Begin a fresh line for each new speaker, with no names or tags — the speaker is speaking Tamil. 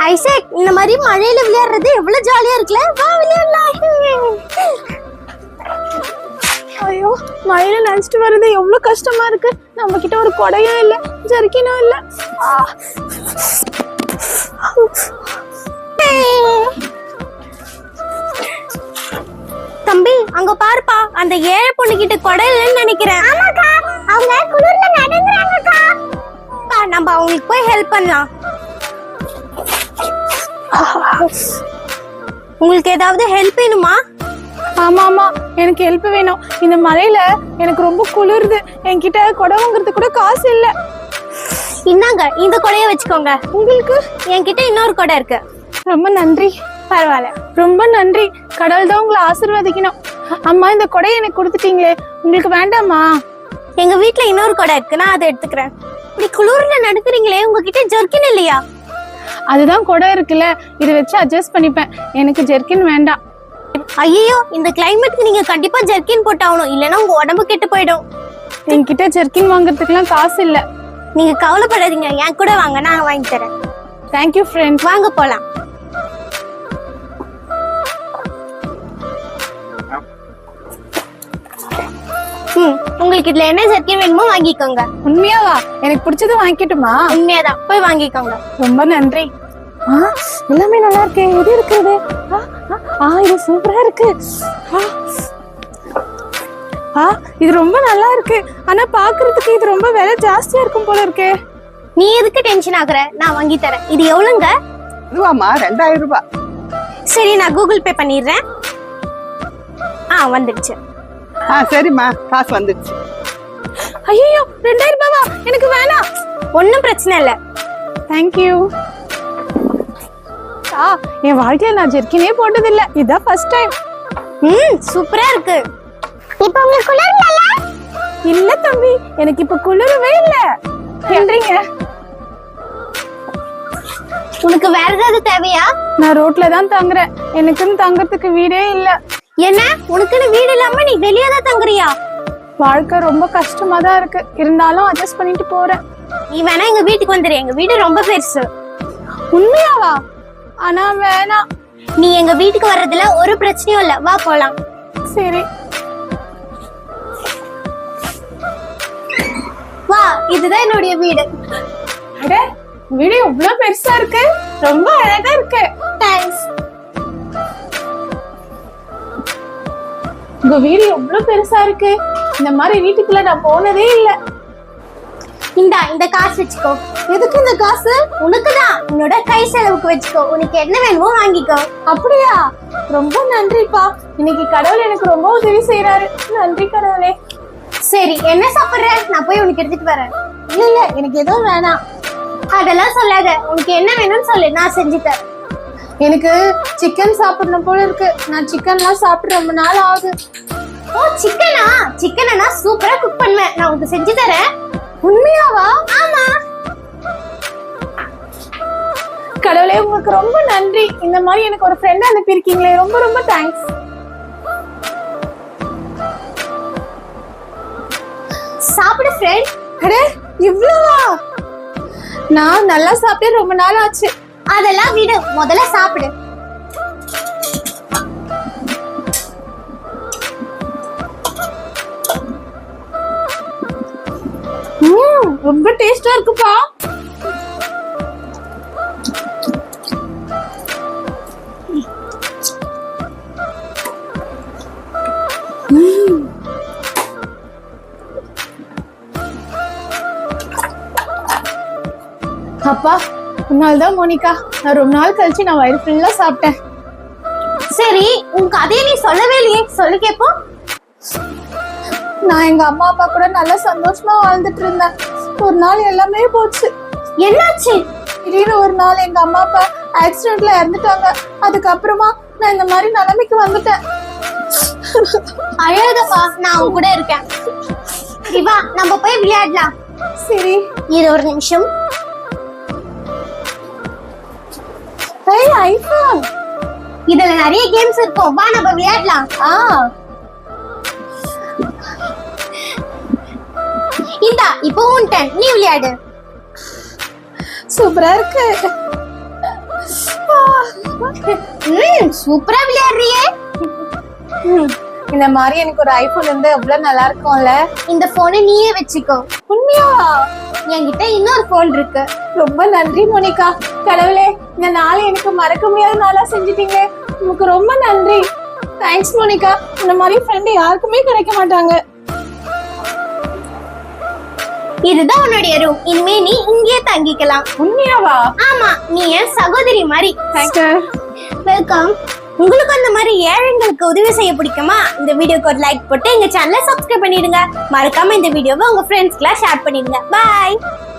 ஐசக், இந்த மாதிரி மழையில விளையாடுறது எவ்வளவு ஜாலியா இருக்குல்ல. வா விளையாடலாம்.
ஐயோ, மழையில நினைச்சிட்டு வர்றது எவ்வளவு கஷ்டமா இருக்கு. நம்ம கிட்ட ஒரு கொடையும் இல்ல, ஜர்க்கினும் இல்ல.
தம்பி, அங்க பாருப்பா, அந்த ஏழை பொண்ணு கிட்ட கொடை இல்லைன்னு நினைக்கிறேன். ஆமாக்கா, அவங்க குளிர்ல நடந்துறாங்கக்கா. நம்ம அவங்களுக்கு போய் ஹெல்ப் பண்ணலாம். உங்களுக்கு ஏதாவது ஹெல்ப் வேணுமா?
ஆமா ஆமா, எனக்கு ஹெல்ப் வேணும். இந்த மழையில எனக்கு ரொம்ப குளிருது. என்கிட்ட கொடை வாங்குறது கூட காசு இல்ல.
இந்தாங்க, இந்த கொடையை வச்சுக்கோங்க.
உங்களுக்கு?
என்கிட்ட இன்னொரு கொடை இருக்கு.
ரொம்ப நன்றி.
பரவாயில்ல,
ரொம்ப நன்றி. கடவுள் தான் உங்களை ஆசீர்வதிக்கணும். அம்மா, இந்த கொடையை எனக்கு கொடுத்துட்டீங்களே, உங்களுக்கு வேண்டாமா?
எங்க வீட்ல இன்னொரு கொடை இருக்கு, நான் அதை எடுத்துக்கிறேன். இப்படி குளிர்ல நடக்கிறீங்களே, உங்ககிட்ட ஜர்க்கின் இல்லையா?
அதுதான் கொடை இருக்குல்ல, இதை வச்சு அட்ஜஸ்ட் பண்ணிப்பேன். எனக்கு ஜெர்கின் வேண்டாம்.
ஐயோ, இந்த கிளைமேட்க்கு நீங்க கண்டிப்பா ஜர்க்கின் போட்டாகணும், இல்லைன்னா உங்க உடம்பு கெட்டு போயிடும்.
என்கிட்ட ஜெர்கின் வாங்குறதுக்குலாம் காசு இல்ல.
நீங்க கவலைப்படாதீங்க, என் கூட வாங்க, நான் வாங்கி தரேன்.
Thank you friend.
வாங்க போலாம். உங்களுக்கு இதுல என்ன ஜர்க்கின் வேணுமோ வாங்கிக்கோங்க.
உண்மையாவா? எனக்கு பிடிச்சது வாங்கிக்கட்டுமா?
உண்மையாதான், போய் வாங்கிக்கோங்க.
ரொம்ப நன்றி. எல்லாமே நல்லா இருக்கு. எது இருக்குது? இது சூப்பரா இருக்கு. இது ரொம்ப நல்லா இருக்கு. ஆனா பாக்குறதுக்கு இது ரொம்ப விலை ஜாஸ்தியா இருக்கும் போல இருக்கு.
நீ எதுக்கு டென்ஷன் ஆகுற? நான் வாங்கி தரேன். இது எவ்வளவுங்க?
ரூபாமா 2000 ரூபாய்.
சரி, நான் கூகுள் பே பண்ணிடுறேன். வந்துடுச்சு.
சரிம்மா, காசு வந்துடுச்சு.
ஐயோ, 2000 ரூபாவா? எனக்கு வேணாம்.
ஒன்னும் பிரச்சனை இல்ல.
தேங்க்யூ. என் வாழ்க்கையில நான் ஜெர்க்கினே போட்டது இல்ல, இதான் ஃபர்ஸ்ட் டைம்.
சூப்பரா இருக்கு.
இப்ப உங்களுக்கு குளிரல?
இல்ல தம்பி, எனக்கு இப்ப குளிரவே இல்ல. நன்றிங்க.
உனக்கு வேற ஏதாவது தேவையா?
நான் ரோட்ல தான் தங்குறேன். எனக்குன்னு தங்கறதுக்கு வீடே இல்ல.
என்ன, உனக்குன்னு வீடு இல்லாம நீ வெளியே தான் தங்குறியா?
வாழ்க்கை ரொம்ப கஷ்டமா தான் இருக்கு, இருந்தாலும் அட்ஜஸ்ட் பண்ணிட்டு போறேன்.
நீ வேணா எங்க வீட்டுக்கு வந்துரு, எங்க வீடு ரொம்ப பெருசு.
உண்மையாவா? ஆனா வேணாம்.
நீ எங்க வீட்டுக்கு வர்றதுல ஒரு பிரச்சனையும் இல்ல, வா போலாம்.
சரி
வா, இதுதான் என்னுடைய வீடு.
அட, வீடு எவ்வளவு பெருசா இருக்கு, ரொம்ப அழகா இருக்கு.
தேங்க்ஸ்.
உங்க வீடு எவ்வளவு பெருசா இருக்கு. இந்த மாதிரி வீட்டுக்குள்ள நான் போனதே இல்ல.
இந்த காசு வச்சுக்கோ.
எதுக்கு இந்த காசு?
உனக்குதான், உன்னோட கை செலவுக்கு வச்சுக்கோ. உனக்கு என்ன வேணுமோ வாங்கிக்கோ.
அப்படியா? ரொம்ப நன்றிப்பா. இன்னைக்கு கடவுள் எனக்கு ரொம்ப உதவி செய்யறாரு. நன்றி கடவுளே.
சரி, என்ன சாப்பிடுற? நான் போய் உனக்கு எடுத்துட்டு வரேன்.
இல்ல, எனக்கு எதுவும் வேணாம்.
அதெல்லாம் சொல்லாத, உனக்கு என்ன வேணும்னு சொல்லு, நான் செஞ்சு தரேன்.
எனக்கு சிக்கன் சாப்பிடணும் போல இருக்கு. நான் சிக்கன்லாம் சாப்பிட்டு ரொம்ப நாள் ஆகுது.
ஓ, சிக்கனா? சிக்கனை நான் சூப்பரா குக் பண்ணுவேன், நான் உனக்கு செஞ்சு தரேன்.
உண்மையாவா?
ஆமா.
கடவுளே, உங்களுக்கு ரொம்ப நன்றி. இந்த மாதிரி எனக்கு ஒரு ஃப்ரெண்ட் அனுப்பியிருக்கீங்களே, ரொம்ப ரொம்ப தேங்க்ஸ்.
சாப்பிடு ஃப்ரெண்ட்.
அட, இவ்வளவா? நான் நல்லா சாப்பிட்டு ரொம்ப நாள் ஆச்சு.
அதெல்லாம் விடு, முதல்ல சாப்பிடு.
ரொம்ப டேஸ்டா இருக்குப்பா. அப்பா, உன்னால்தான் மோனிகா, நான் ரொம்ப நாள் கழிச்சு நான் வயிறு ஃபுல்லா சாப்பிட்டேன்.
சரி, உன் கதையை நீ சொல்லவே இல்லையே, சொல்லி கேப்போம்.
நான் எங்க அம்மா அப்பா கூட நல்லா சந்தோஷமா வாழ்ந்துட்டு இருந்தேன். ஒரு நாள் எல்லாமே போச்சு.
என்னாச்சு?
திடீர்னு ஒரு நாள் எங்க அம்மா அப்பா ஆக்சிடென்ட்ல இறந்துட்டாங்க. அதுக்கப்புறமா நான் இந்த மாதிரி நிலைமைக்கு வந்துட்டேன்.
அழகப்பா, நான் உன் கூட இருக்கேன். வா, நம்ம போய் விளையாடலாம்.
சரி,
இது ஒரு நிமிஷம்.
ஐபோன்,
இதுல நிறைய கேம்ஸ் இருக்கும், வா நம்ம விளையாடலாம். இந்தா, இப்போ உன் டர்ன், நீ விளையாடு.
சூப்பரா இருக்கு.
சூப்பரா விளையாடுறியே.
இந்த மாதிரி எனக்கு ஒரு ஐபோன் இருந்து எவ்வளவு நல்லா இருக்கும்ல.
இந்த போனை நீயே வச்சுக்கோ.
உண்மையா?
என்கிட்ட இன்னொரு போன் இருக்கு.
ரொம்ப நன்றி மோனிகா. கடவுளே, இந்த நாளை எனக்கு மறக்க முடியாத நாளா செஞ்சுட்டீங்க. உங்களுக்கு ரொம்ப நன்றி. தேங்க்ஸ் மோனிகா. இந்த மாதிரி ஃப்ரெண்ட் யாருக்குமே கிடைக்க மாட்டாங்க.
இதுதான் உன்னுடைய ரூம். இனிமே நீ இங்கே தங்கிக்கலாம்.
உண்மையாவா?
ஆமா, நீ என் சகோதரி மாதிரி.
Sister,
welcome. உங்களுக்கு அந்த மாதிரி ஏழைங்களுக்கு உதவி செய்ய பிடிக்குமா? இந்த வீடியோக்கு ஒரு லைக் போட்டு எங்க சேனலை சப்ஸ்கிரைப் பண்ணிடுங்க. மறக்காம இந்த வீடியோவை உங்க ஃப்ரெண்ட்ஸ்க்குலாம் ஷேர் பண்ணிடுங்க. பாய்.